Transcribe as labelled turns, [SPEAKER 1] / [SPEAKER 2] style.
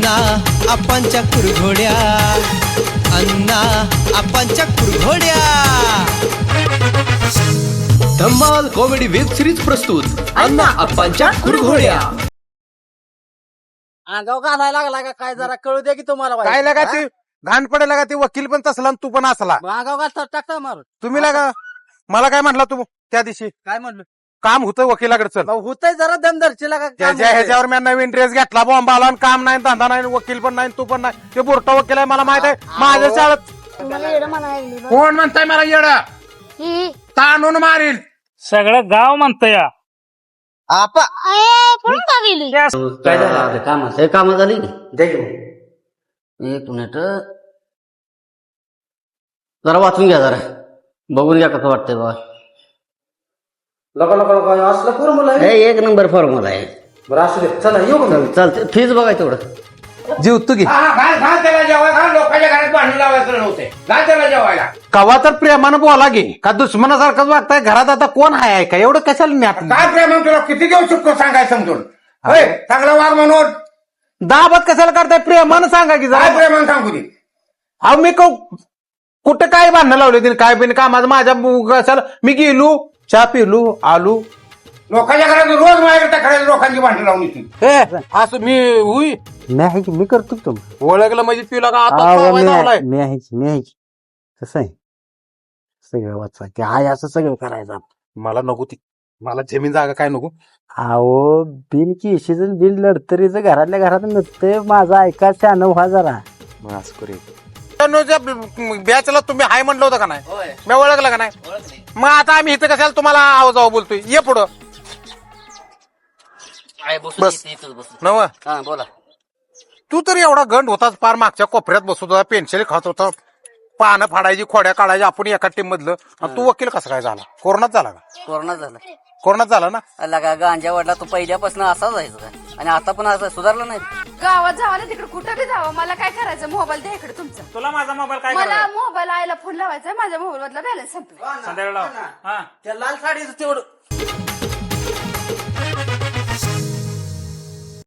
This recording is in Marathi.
[SPEAKER 1] अण्णा आपांच्या कुरघोड्या, अण्णा आपांच्या कुरघोड्या. धम्माल कॉमेडी वेब सिरीज प्रस्तुत अण्णा आपांच्या कुरघोड्या.
[SPEAKER 2] अंगाव घालायला लागला का काय जरा कळू दे की तुम्हाला बाई.
[SPEAKER 3] काय लागा ती घाण पडेल का ती वकील पण तसला आणि तू पण असला.
[SPEAKER 2] अंगाव घालता टाकता मारून.
[SPEAKER 3] तुम्ही लागा मला काय म्हटला तू त्या दिवशी
[SPEAKER 2] काय म्हणलं
[SPEAKER 3] काम होतं वकिलाकडे चल.
[SPEAKER 2] होतय जरा दमदरची लागा
[SPEAKER 3] ज्याच्या ह्याच्यावर मी नवीन ड्रेस घेतला बॉम्ब आला आणि काम नाही धंदा नाही वकील पण नाही तू पण नाही. ते बोरटा वकील आहे मला माहित आहे. माझ्या शाळेत
[SPEAKER 4] तुम्हाला येडं म्हणायला लागली बा.
[SPEAKER 3] कोण म्हणताय मला येडा
[SPEAKER 4] ही.
[SPEAKER 3] ताणून मारील.
[SPEAKER 5] सगळं गाव म्हणतंय या.
[SPEAKER 2] आपा
[SPEAKER 4] पळून का गेली?
[SPEAKER 6] काय झालं काम हे काम झाली एक मिनिट जरा वाचून घ्या जरा बघून घ्या कसं वाटतंय बा.
[SPEAKER 2] असलं फॉर्म्युला
[SPEAKER 6] हे एक नंबर फॉर्म्युला आहे.
[SPEAKER 2] बरं असू दे चला येऊ
[SPEAKER 6] चालते फीज बघाय तेवढं
[SPEAKER 3] जीव तू घे.
[SPEAKER 7] त्याला जेवायला लोकांच्या घरात भांडण लावायचं नव्हते. घाल त्याला जेवायला.
[SPEAKER 3] कवा तर प्रेमानं बोला घे का दुश्मनासारखंच वागताय. घरात आता कोण आहे का एवढं कशाला न्यात
[SPEAKER 7] काय प्रेम तुला किती देऊ शकतो सांगायचं समजून. होय चांगला वाघ म्हणून
[SPEAKER 3] दाबत कशाला करताय. प्रेमानं सांगा की
[SPEAKER 7] काय
[SPEAKER 3] जरा.
[SPEAKER 7] प्रेमान सांगू दे.
[SPEAKER 3] अहो मी कुठं काय भांडणं लावले तिने काय बिन कामाचं माझ्या कशाला मी गेलो चहा पिलो आलो.
[SPEAKER 7] लोकांच्या घरात रोज माझ्याकडे टाकायला लोकांची भांडण लावून येतील.
[SPEAKER 3] असं मी हुई
[SPEAKER 6] मी आहे की मी करतो तुम्ही
[SPEAKER 3] ओळखलं म्हणजे पिला का आता लावलाय.
[SPEAKER 6] मी आहे की मी आहे की कसं आहे सगळं वाचवा ते आहे असं सगळं करायचं.
[SPEAKER 3] मला नको ती मला जमीन जागा काय नको.
[SPEAKER 6] अहो बिल केशीच बिल लढतरीचं घरातल्या घरात नसतंय. माझं ऐका शान व्हा जरा.
[SPEAKER 3] असं करू बॅचला तुम्ही हाय म्हणलं होतं का नाही. मी ओळखलं का नाही. मग आता आम्ही इथं कशाला तुम्हाला आवाज जाऊ बोलतोय. ये पुढं बस नव.
[SPEAKER 6] हा बोला.
[SPEAKER 3] तू तर एवढा गंड होताच पार मागच्या कोपऱ्यात बसत होता पेन्सिल खात होता पानं फाडायची खोड्या काढायची आपण एका टीम मधलं. आणि तू वकील कसा काय झाला. कोरोनात झाला का.
[SPEAKER 6] कोरोना झाला
[SPEAKER 3] कोरोनात झाला ना.
[SPEAKER 6] लगा गांजा वडला तो पहिल्यापासून असाच आहे का आणि आता पण असं सुधारला नाही.
[SPEAKER 8] गावात जावा ना तिकडे कुठं बी जावं मला काय करायचं. मोबाईल द्या इकडे तुमचा.
[SPEAKER 5] तुला माझा मोबाईल काय
[SPEAKER 8] मला मोबाईल आयला फोन लावायचा माझ्या मोबाईल मधला बॅलन्स संपला.
[SPEAKER 5] संध्याकाळी लाव. हा
[SPEAKER 2] त्या लाल साडीचं तेवढं